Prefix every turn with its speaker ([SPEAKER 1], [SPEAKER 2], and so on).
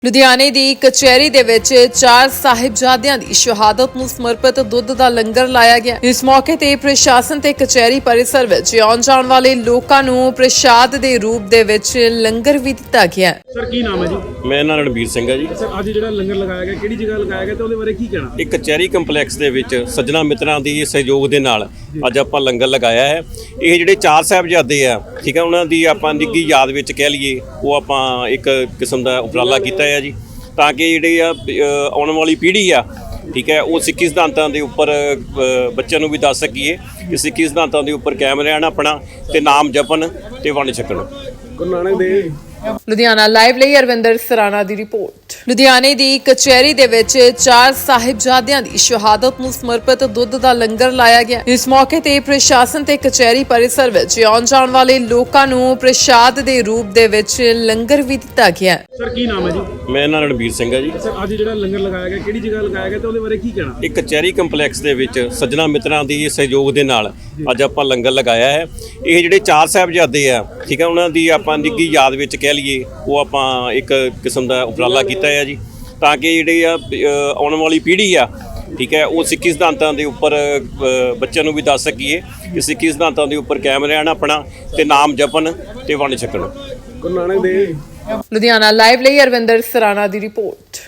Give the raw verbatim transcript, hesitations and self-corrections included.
[SPEAKER 1] ਲੁਧਿਆਣੇ ਦੀ ਕਚਹਿਰੀ ਦੇ ਵਿੱਚ ਚਾਰ ਸਾਹਿਬਜ਼ਾਦਿਆਂ ਦੀ ਸ਼ਹਾਦਤ ਨੂੰ ਸਮਰਪਿਤ ਦੁੱਧ ਦਾ ਲੰਗਰ ਲਾਇਆ ਗਿਆ। ਇਸ ਮੌਕੇ ਤੇ ਪ੍ਰਸ਼ਾਸਨ ਤੇ ਕਚਹਿਰੀ ਪਰਿਸਰ ਵਿੱਚ ਆਉਣ ਜਾਣ ਵਾਲੇ ਲੋਕਾਂ ਨੂੰ ਪ੍ਰਸ਼ਾਦ ਦੇ ਰੂਪ ਦੇ ਵਿੱਚ ਲੰਗਰ ਵੀ ਦਿੱਤਾ ਗਿਆ।
[SPEAKER 2] ਸਰ ਕੀ ਨਾਮ ਹੈ ਜੀ?
[SPEAKER 3] ਮੇਰਾ ਨਾਮ ਰਣਬੀਰ ਸਿੰਘ ਹੈ ਜੀ।
[SPEAKER 2] ਸਰ ਅੱਜ ਜਿਹੜਾ ਲੰਗਰ ਲਗਾਇਆ ਗਿਆ ਕਿਹੜੀ ਜਗ੍ਹਾ ਲਗਾਇਆ ਗਿਆ ਤੇ ਉਹਦੇ ਬਾਰੇ ਕੀ ਕਹਿਣਾ?
[SPEAKER 3] ਇੱਕ ਕਚਹਿਰੀ ਕੰਪਲੈਕਸ ਦੇ ਵਿੱਚ ਸੱਜਣਾ ਮਿੱਤਰਾਂ ਦੀ ਸਹਿਯੋਗ ਦੇ ਨਾਲ ਅੱਜ ਆਪਾਂ ਲੰਗਰ ਲਗਾਇਆ ਹੈ। ਇਹ ਜਿਹੜੇ ਚਾਰ ਸਾਹਿਬਜ਼ਾਦੇ ਆ, ਠੀਕ ਹੈ, ਉਹਨਾਂ ਦੀ ਆਪਾਂ ਨਿੱਘੀ ਯਾਦ ਵਿੱਚ ਕਹਿ ਲਈਏ, ਉਹ ਆਪਾਂ ਇੱਕ ਕਿਸਮ ਦਾ ਉਪਰਾਲਾ ਕੀਤਾ ਹੈ ਜੀ, ਤਾਂ ਕਿ ਜਿਹੜੇ ਆ ਆਉਣ ਵਾਲੀ ਪੀੜ੍ਹੀ ਆ, ਠੀਕ ਹੈ, ਉਹ ਸਿੱਖੀ ਸਿਧਾਂਤਾਂ ਦੇ ਉੱਪਰ ਬੱਚਿਆਂ ਨੂੰ ਵੀ ਦੱਸ ਸਕੀਏ ਕਿ ਸਿੱਖੀ ਸਿਧਾਂਤਾਂ ਦੇ ਉੱਪਰ ਕਾਇਮ ਰਹਿਣ ਆਪਣਾ, ਤੇ ਨਾਮ ਜਪਣ ਤੇ ਵੰਡ ਛਕਣ।
[SPEAKER 2] ਗੁਰੂ ਨਾਨਕ ਦੇਵ।
[SPEAKER 1] ਲੁਧਿਆਣਾ ਲਾਈਵ ਲਈ ਅਰਵਿੰਦਰ ਸਰਾਣਾ ਦੀ ਰਿਪੋਰਟ। ਲੁਧਿਆਣੇ ਦੀ ਕਚਹਿਰੀ ਦੇ ਵਿੱਚ ਚਾਰ ਸਾਹਿਬਜ਼ਾਦਿਆਂ ਦੀ ਸ਼ਹਾਦਤ ਨੂੰ ਸਮਰਪਿਤ ਦੁੱਧ ਦਾ ਲੰਗਰ ਲਾਇਆ ਗਿਆ। ਇਸ ਮੌਕੇ ਤੇ ਪ੍ਰਸ਼ਾਸਨ ਤੇ ਕਚਹਿਰੀ ਪਰਿਸਰ ਵਿੱਚ ਆਉਣ ਜਾਣ ਵਾਲੇ ਲੋਕਾਂ ਨੂੰ ਪ੍ਰਸ਼ਾਦ ਦੇ ਰੂਪ ਦੇ ਵਿੱਚ ਲੰਗਰ ਵੀ ਦਿੱਤਾ ਗਿਆ।
[SPEAKER 2] ਸਰ ਕੀ ਨਾਮ ਹੈ ਜੀ?
[SPEAKER 3] ਮੇਰਾ ਨਾਮ ਰਣਬੀਰ ਸਿੰਘ ਹੈ ਜੀ। ਸਰ
[SPEAKER 2] ਅੱਜ ਜਿਹੜਾ ਲੰਗਰ ਲਗਾਇਆ ਗਿਆ ਕਿਹੜੀ ਜਗ੍ਹਾ ਲਗਾਇਆ ਗਿਆ ਤੇ ਉਹਦੇ ਬਾਰੇ ਕੀ ਕਹਿਣਾ?
[SPEAKER 3] ਇੱਕ ਕਚਹਿਰੀ ਕੰਪਲੈਕਸ ਦੇ ਵਿੱਚ ਸੱਜਣਾ ਮਿੱਤਰਾਂ ਦੀ ਸਹਿਯੋਗ ਦੇ ਨਾਲ ਅੱਜ ਆਪਾਂ ਲੰਗਰ ਲਗਾਇਆ ਹੈ। ਇਹ ਜਿਹੜੇ ਚਾਰ ਸਾਹਿਬਜ਼ਾਦੇ ਆ, ਠੀਕ ਹੈ, ਉਹਨਾਂ ਦੀ ਆਪਾਂ ਨਿੱਘੀ ਯਾਦ ਵਿੱਚ ਕਹਿ ਲਈਏ, ਉਹ ਆਪਾਂ ਇੱਕ ਕਿਸਮ ਦਾ ਉਪਰਾਲਾ ਕੀਤਾ ਹੈ ਜੀ, ਤਾਂ ਕਿ ਜਿਹੜੇ ਆ ਆਉਣ ਵਾਲੀ ਪੀੜ੍ਹੀ ਆ, ਠੀਕ ਹੈ, ਉਹ ਸਿੱਖੀ ਸਿਧਾਂਤਾਂ ਦੇ ਉੱਪਰ ਬੱਚਿਆਂ ਨੂੰ ਵੀ ਦੱਸ ਸਕੀਏ ਕਿ ਸਿੱਖੀ ਸਿਧਾਂਤਾਂ ਦੇ ਉੱਪਰ ਕਾਇਮ ਰਹਿਣ ਆਪਣਾ, ਤੇ ਨਾਮ ਜਪਣ ਤੇ ਵੰਡ ਛਕਣ।
[SPEAKER 2] ਗੁਰੂ ਨਾਨਕ ਦੇਵ।
[SPEAKER 1] ਲੁਧਿਆਣਾ ਲਾਈਵ ਲਈ ਅਰਵਿੰਦਰ ਸਰਾਣਾ ਦੀ ਰਿਪੋਰਟ।